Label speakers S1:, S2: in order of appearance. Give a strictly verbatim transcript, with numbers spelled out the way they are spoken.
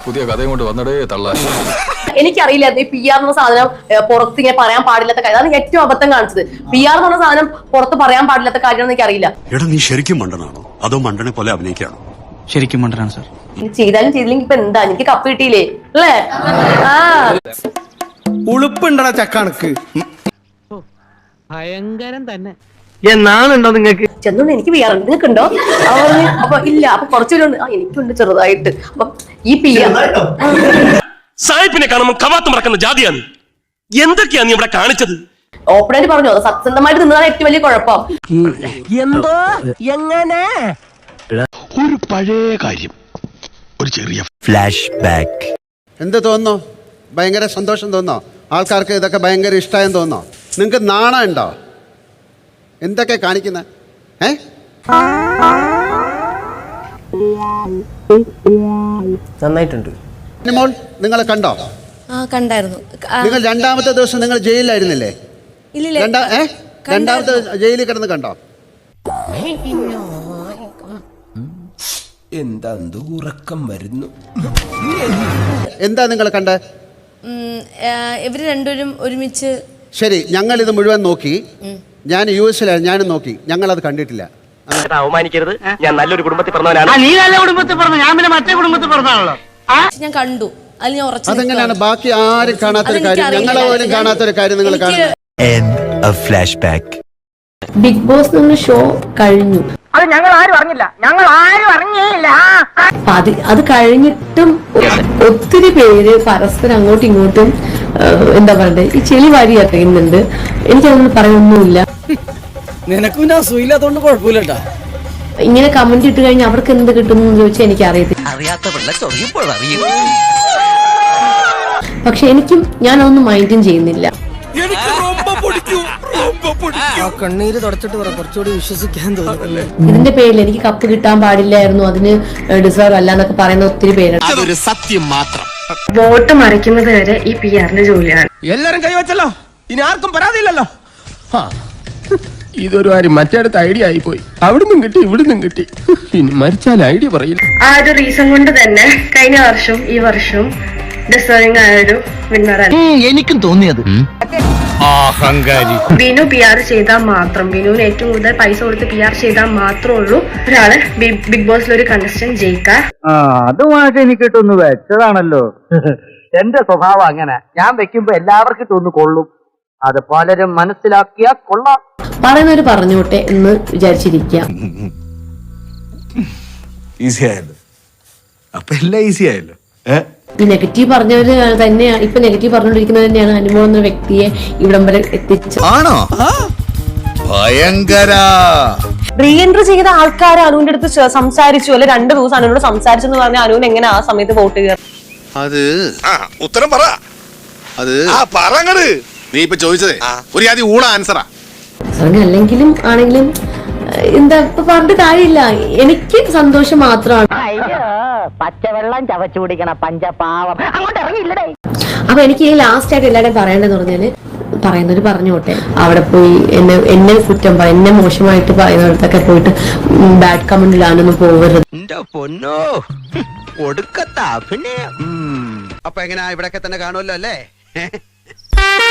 S1: പുതിയ കഥയും കൊണ്ട് വന്നടേ തള്ള.
S2: എനിക്കറിയില്ല ഈ പി ആർ എന്ന സാധനം പുറത്ത് ഇങ്ങനെ പറയാൻ പാടില്ലാത്ത കാര്യം. അതാണ് ഏറ്റവും അബദ്ധം കാണിച്ചത്. പി ആർ എന്ന് പറഞ്ഞ സാധനം പുറത്ത് പറയാൻ പാടില്ലാത്ത കാര്യമാണെന്ന് എനിക്കറിയില്ല.
S3: എടാ നീ ശരിക്കും മണ്ടനാണോ അതോ മണ്ടനെ പോലെ അഭിനയിക്കാണോ?
S4: ശരിക്കും മണ്ടനാണ് സാർ.
S2: ചെയ്താലും ചെയ്തില്ലെങ്കിൽ ഇപ്പൊ എന്താ, എനിക്ക് കപ്പ് കിട്ടിയില്ലേ അല്ലേ? ആ
S5: ഉളുപ്പുണ്ടടാ ചക്കണക്ക്.
S6: ഭയങ്കരം തന്നെ.
S5: എന്നാണുണ്ടോ നിങ്ങക്ക്?
S2: ചെന്നോണ്ട് എനിക്ക് പി ആർ ഉണ്ട്, നിങ്ങൾക്ക് ഉണ്ടോ? പറഞ്ഞു അപ്പൊ ഇല്ല. അപ്പൊ കുറച്ചുപേരുണ്ട്. ആ എനിക്കുണ്ട് ചെറുതായിട്ട്. അപ്പൊ ഈ പി ആർ
S7: സായിപ്പിനെ കാണുമ്പോൾ കവാത്ത് മറക്കുന്ന ജാതിയാണ്. എന്തൊക്കെയാ നീ ഇവിടെ കാണിച്ചത്?
S2: ഓപ്പണായിട്ട് പറഞ്ഞു അത് സത്യസന്ധമായിട്ട് നിന്നതാണ് ഏറ്റവും വലിയ കുഴപ്പം.
S6: എന്തോ എങ്ങനെ
S3: ഒരു പഴയ കാര്യം, ഒരു ചെറിയ
S8: ഫ്ലാഷ് ബാക്ക്.
S9: എന്ത് തോന്നുന്നു? ഭയങ്കര സന്തോഷം തോന്നോ? ആൾക്കാർക്ക് ഇതൊക്കെ ഭയങ്കര ഇഷ്ടമായെന്ന് തോന്നോ? നിങ്ങൾക്ക് നാണം ഉണ്ടോ? എന്തൊക്കെ കാണിക്കുന്ന ഏ
S6: നന്നായിട്ടുണ്ട്.
S9: മോൾ നിങ്ങളെ കണ്ടോ?
S10: കണ്ടായിരുന്നു.
S9: നിങ്ങൾ രണ്ടാമത്തെ ദിവസം നിങ്ങൾ ജയിലിലായിരുന്നില്ലേ? രണ്ടാ ഏ രണ്ടാമത്തെ ജയിലിൽ കിടന്ന് കണ്ടോ?
S5: എന്താ ഉറക്കം വരുന്നു.
S9: എന്താ നിങ്ങൾ കണ്ടേ?
S10: ഇവര് രണ്ടുപേരും ഒരുമിച്ച്.
S9: ശരി, ഞങ്ങൾ ഇത് മുഴുവൻ നോക്കി. ഞാൻ യു എസിലായിരുന്നു, ഞാനും നോക്കി. ഞങ്ങൾ അത് കണ്ടിട്ടില്ല.
S7: അവമാനിക്കരുത്, ഞാൻ നല്ലൊരു കുടുംബത്തിൽ പറഞ്ഞവനാണ്.
S6: നീ നല്ല കുടുംബത്തിൽ പറഞ്ഞു, ഞാൻ പിന്നെ മറ്റേ കുടുംബത്തിൽ പറഞ്ഞാണല്ലോ.
S10: ഞാൻ കണ്ടു. അതിൽ ഞാൻ ഉറച്ചു.
S9: അതെങ്ങനെയാണ് ബാക്കി ആരും കാണാത്തൊരു കാര്യം, ഞങ്ങളെ പോലും കാണാത്തൊരു കാര്യം നിങ്ങൾ കാണുന്നത്?
S8: Flash back.
S2: ബിഗ് ബോസ് എന്ന ഷോ കഴിഞ്ഞു.
S6: അത് ഞങ്ങൾ ആരും അറിഞ്ഞില്ല, ഞങ്ങൾ ആരും അറിഞ്ഞില്ല.
S2: അത് അത് കഴിഞ്ഞിട്ടും ഒത്തിരി പേര് പരസ്പരം അങ്ങോട്ടും ഇങ്ങോട്ടും എന്താ പറയണ്ടേ ഈ ചെളി വാരി അറിയുന്നുണ്ട്. എനിക്കതൊന്നും പറയാനൊന്നുമില്ല.
S5: നിനക്കും ഞാൻ സുഖമില്ലാത്തോണ്ട് കുഴപ്പമില്ലട്ടാ.
S2: ഇങ്ങനെ കമന്റ് ഇട്ട് കഴിഞ്ഞാൽ അവർക്ക് എന്ത് കിട്ടും എന്ന് ചോദിച്ചാൽ എനിക്ക് അറിയത്തില്ല. പക്ഷെ എനിക്കും ഞാനതൊന്നും മൈൻഡും ചെയ്യുന്നില്ല.
S5: കണ്ണീര് തുടച്ചിട്ട് പറ, കുറച്ചുകൂടി വിശ്വസിക്കാൻ തോന്നുന്നു.
S2: ഇതിന്റെ പേരിൽ എനിക്ക് കപ്പ് കിട്ടാൻ പാടില്ലായിരുന്നു, അതിന് ഡിസേർവ് അല്ല എന്നൊക്കെ പറയുന്ന ഒത്തിരി പേരുണ്ട്.
S3: അതൊരു സത്യം മാത്രം.
S10: വോട്ട് മറിക്കുന്നത് വരെ ഈ പി ആറിന്റെ ജോലിയാണ്.
S5: എല്ലാരും കൈവച്ചല്ലോ, ഇനി ആർക്കും പരാതിയില്ലല്ലോ. ഇതൊരു കാര്യം മറ്റേടത്ത് ഐഡിയ ആയി പോയി. അവിടുന്നും കിട്ടി ഇവിടുന്നും കിട്ടി. ഇനി മരിച്ചാൽ ഐഡിയ പറയില്ല.
S10: ആ ഒരു റീസൺ കൊണ്ട് തന്നെ കഴിഞ്ഞ വർഷവും ഈ വർഷവും ഡിസേർവിംഗ് ആയ ഒരു വിന്നറാണ്
S6: എനിക്കും തോന്നിയത്.
S10: ബിനു പി ആർ ചെയ്താൽ മാത്രം, ബിനുവിന് ഏറ്റവും കൂടുതൽ പൈസ കൊടുത്ത് പി ആർ ചെയ്താൽ മാത്രമേ ഉള്ളൂ ഒരാള് ബിഗ് ബോസിൽ ഒരു കണ്ടസ്റ്റന്റ് ജയിക്കാൻ.
S6: അതുമായിട്ട് എനിക്ക് ഇട്ടൊന്ന് വെച്ചതാണല്ലോ. എന്റെ സ്വഭാവം അങ്ങനെ, ഞാൻ വെക്കുമ്പോ എല്ലാവർക്കും ഇട്ടൊന്ന് കൊള്ളും. അത് പലരും മനസ്സിലാക്കിയാ കൊള്ളാം.
S2: പറയുന്നവര് പറഞ്ഞോട്ടെ എന്ന് വിചാരിച്ചിരിക്കാം.
S8: ഈസി ആയല്ലോ, അപ്പൊ എല്ലാം ഈസി ആയല്ലോ.
S2: ഈ നെഗറ്റീവ് പറഞ്ഞവര് തന്നെയാണ് ഇപ്പൊ നെഗറ്റീവ് പറഞ്ഞുകൊണ്ടിരിക്കുന്നത് തന്നെയാണ് അനുമോൾ എന്ന വ്യക്തിയെ ഇവിടം വരെ എത്തിച്ചത്.
S8: ആണോ? ഭയങ്കര
S2: റീ എൻട്രി ചെയ്ത ആൾക്കാർ അനുവിന്റെ അടുത്ത് സംസാരിച്ചു, അല്ലെ രണ്ടു ദിവസം അനുവിനോട് സംസാരിച്ചു എന്ന് പറഞ്ഞാൽ അനുവിന് എങ്ങനെ ആ സമയത്ത് വോട്ട് ചെയ്യാം?
S3: അത് ഉത്തരം പറ. അത് പറങ്ങട് നീ ഇപ്പൊ ചോദിച്ചതേ ഒരു ആദ്യം ഊണ ആൻസറാ.
S2: അല്ലെങ്കിലും ആണെങ്കിലും എന്താ ഇപ്പൊ പറഞ്ഞിട്ട് കാര്യമില്ല. എനിക്ക് സന്തോഷം മാത്രമാണ്.
S6: പച്ചവെള്ളം ചവച്ചു കുടിക്കണ പഞ്ചപാവം അങ്ങോട്ട് ഇറങ്ങിയില്ലടേ.
S2: അപ്പൊ എനിക്ക് ഈ ലാസ്റ്റ് ആയിട്ട് എല്ലാവരും പറയേണ്ടതെന്ന് പറഞ്ഞാല് പറയുന്നവര് പറഞ്ഞോട്ടെ. അവിടെ പോയി എന്നെ എന്നെ കുറ്റം പറ എന്നെ മോശമായിട്ട് പറയുന്നിടത്തൊക്കെ പോയിട്ട് ബാഡ് കമന്റ് ഇടാനൊന്നും പോകരുത്.
S8: പൊന്നോ ഒടുക്കത്ത അഭിനയം.
S9: അപ്പൊ എങ്ങനെയാ ഇവിടൊക്കെ തന്നെ കാണുമല്ലോ അല്ലേ?